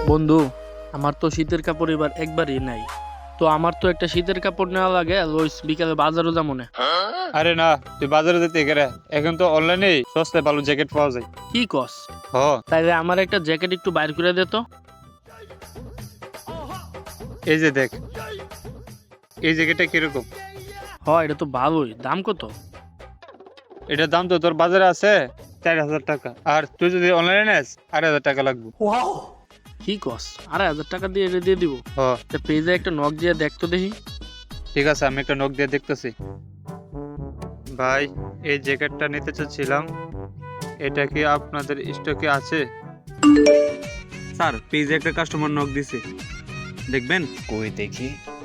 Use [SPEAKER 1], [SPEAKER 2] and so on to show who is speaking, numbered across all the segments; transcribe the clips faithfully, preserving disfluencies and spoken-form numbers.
[SPEAKER 1] বন্ধু, আমার তো শীতের কাপড় এবার একবারই নাই। তো আমার তো একটা শীতের কাপড় নেওয়া লাগে, লইস বিকালে বাজারও যাবো না।
[SPEAKER 2] আরে না, তুই বাজারে যেতে গেলে এখন তো অনলাইনে সস্তায় ভালো জ্যাকেট পাওয়া যায়।
[SPEAKER 1] কি কস?
[SPEAKER 2] হ,
[SPEAKER 1] তাইলে আমার একটা জ্যাকেট একটু বাইর করে দে তো।
[SPEAKER 2] এই যে দেখ, এই জ্যাকেটটা কিরকম?
[SPEAKER 1] হ, এটা তো ভালোই। দাম কত?
[SPEAKER 2] এটার দাম তো তোর বাজারে আছে চার হাজার টাকা, আর তুই যদি অনলাইনে নেস আড়াই হাজার টাকা লাগবে।
[SPEAKER 1] কি কস? আড়াই হাজার টাকা দিয়ে এটা দিয়ে দিব?
[SPEAKER 2] হ,
[SPEAKER 1] তা পেজে একটা নক দিয়ে দেখতো দেখি।
[SPEAKER 2] ঠিক আছে, আমি একটা নখ দিয়ে দেখতেছি। ভাই, এই জ্যাকেটটা নিতে চাচ্ছিলাম, এটা কি আপনাদের স্টকে আছে?
[SPEAKER 3] স্যার, পেজে একটা কাস্টমার নক দিছে, দেখবেন?
[SPEAKER 4] কই দেখি।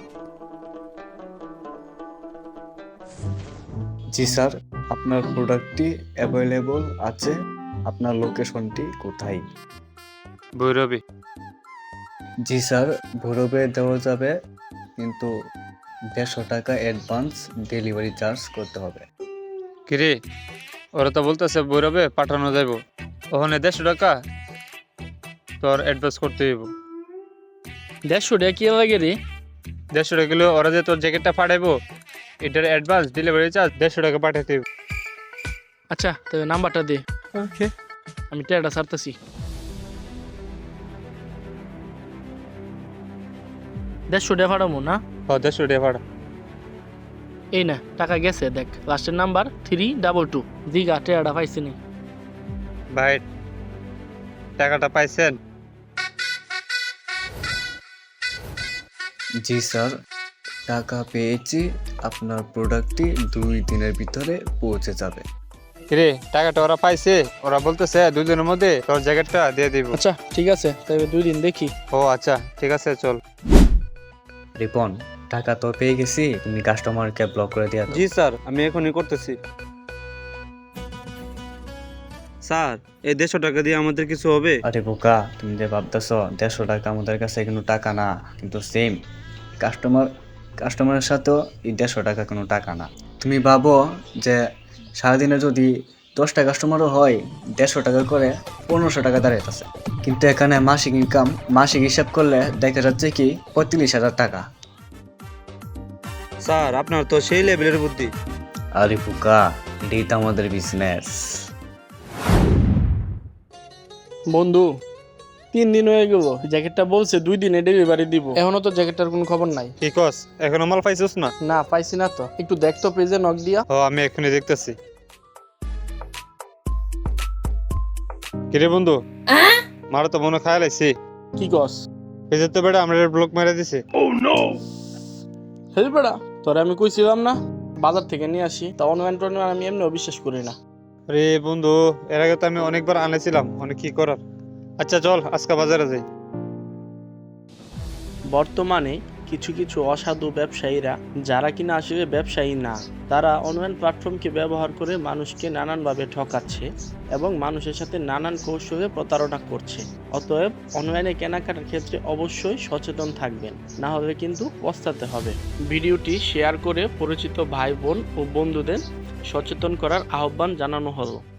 [SPEAKER 4] জি স্যার, আপনার প্রোডাক্টটি অ্যাভেলেবল আছে। আপনার লোকেশনটি কোথায়?
[SPEAKER 2] ভৈরবী।
[SPEAKER 4] জি স্যার, ভৈরবে দেওয়া যাবে, কিন্তু দেড়শো টাকা অ্যাডভান্স ডেলিভারি চার্জ করতে হবে।
[SPEAKER 2] কিরে, ওরা তো বলতেছে ভৈরবে পাঠানো যাইব, ওখানে দেড়শো টাকা তোর অ্যাডভান্স করতে হইব।
[SPEAKER 1] দেড়শো টাকা কি লাগে রে?
[SPEAKER 2] দেড়শো টাকা কিলো, ওরা যে তোর জ্যাকেটটা পাঠাইবো এটার অ্যাডভান্স ডেলিভারি চার্জ দেড়শো টাকা পাঠাইতে হইব।
[SPEAKER 1] আচ্ছা, তবে নাম্বারটা দে,
[SPEAKER 3] ওকে।
[SPEAKER 1] আমি টাকাটা ছাড়তেছি। দেড়শো টাকা পাঠাবো না?
[SPEAKER 2] হ, দেড়শো টাকা পাঠা।
[SPEAKER 1] এই না, টাকা গেছে, দেখ লাস্টের নাম্বার থ্রি ডাবল টু। দিঘা টাকাটা পাইছি নি।
[SPEAKER 2] ভাই, টাকাটা পাইছেন?
[SPEAKER 4] জি স্যার, টাকা পেয়েছি। আপনার প্রোডাক্টটি দুই দিনের ভিতরে পৌঁছে যাবে।
[SPEAKER 2] কিরে, টাকাটা ওরা পাইছে? ওরা বলতেছে দুই দিনের মধ্যে তোর জ্যাকেটটা দিয়ে দিব।
[SPEAKER 1] আচ্ছা ঠিক আছে, তবে দুই দিন দেখি।
[SPEAKER 2] ও আচ্ছা, ঠিক আছে, চল।
[SPEAKER 4] রিপন, টাকা তো পেয়ে গেছি, তুমি কাস্টমারকে ব্লক করে দিয়া দাও।
[SPEAKER 3] জি স্যার, আমি এখনই করতেছি। স্যার, এই দেড়শো টাকা দিয়ে আমাদের কিছু হবে?
[SPEAKER 4] আরে বোকা, তুমি যে ভাবতেছ দেড়শো টাকা আমাদের কাছে কোনো টাকা না, কিন্তু সেম কাস্টমার কাস্টমারের সাথেও এই দেড়শো টাকা কোনো টাকা না। তুমি ভাবো যে সারাদিনে যদি দশটা কাস্টমারও হয়, দেড়শো টাকা করে পনেরোশো টাকা দাঁড়াইতেছে, কিন্তু এখানে মাসিক ইনকাম মাসিক হিসাব করলে দেখা যাচ্ছে কি পঁয়ত্রিশ হাজার টাকা।
[SPEAKER 3] স্যার, আপনার তো সেই লেভেলের বুদ্ধি।
[SPEAKER 4] আরে বোকা, এটাই তো আমাদের বিজনেস।
[SPEAKER 1] বন্ধু, তিন দিন হয়ে গেল, জ্যাকেটটা বলছে দুই দিনে ডেলিভারি দিব, এখনো তো জ্যাকেটটার কোনো খবর নাই।
[SPEAKER 2] কি কস, এখনো মাল পাইছিস না?
[SPEAKER 1] না, পাইছি না তো। একটু দেখতো পেজে নক দিয়া।
[SPEAKER 2] ও, আমি এখনই দেখতেছি। কিরে বন্ধু, মারা তো মনে খায়াল আইছি।
[SPEAKER 1] কি কস?
[SPEAKER 2] পেজের তো বেটা আমরা ব্লক মেরে দিছে।
[SPEAKER 1] হেল বেড়া, তোরে আমি কইছিলাম না বাজার থেকে নিয়ে আসি, তা অনলাইন টনলাইন আমি এমনিও বিশ্বাস করি না।
[SPEAKER 2] আরে বন্ধু, এর আগে তো আমি অনেকবার আনেছিলাম, অনেক কি করার। আচ্ছা চল, আজকে বাজারে যাই।
[SPEAKER 1] বর্তমানে কিছু কিছু অসাধু ব্যবসায়ীরা, যারা কিনা আসলে ব্যবসায়ী না, তারা অনলাইন প্ল্যাটফর্মকে ব্যবহার করে মানুষকে নানানভাবে ঠকাচ্ছে এবং মানুষের সাথে নানান কৌশলে প্রতারণা করছে। অতএব অনলাইনে কেনাকাটার ক্ষেত্রে অবশ্যই সচেতন থাকবেন, না হলে কিন্তু পস্তাতে হবে। ভিডিওটি শেয়ার করে পরিচিত ভাই বোন ও বন্ধুদের সচেতন করার আহ্বান জানানো হলো।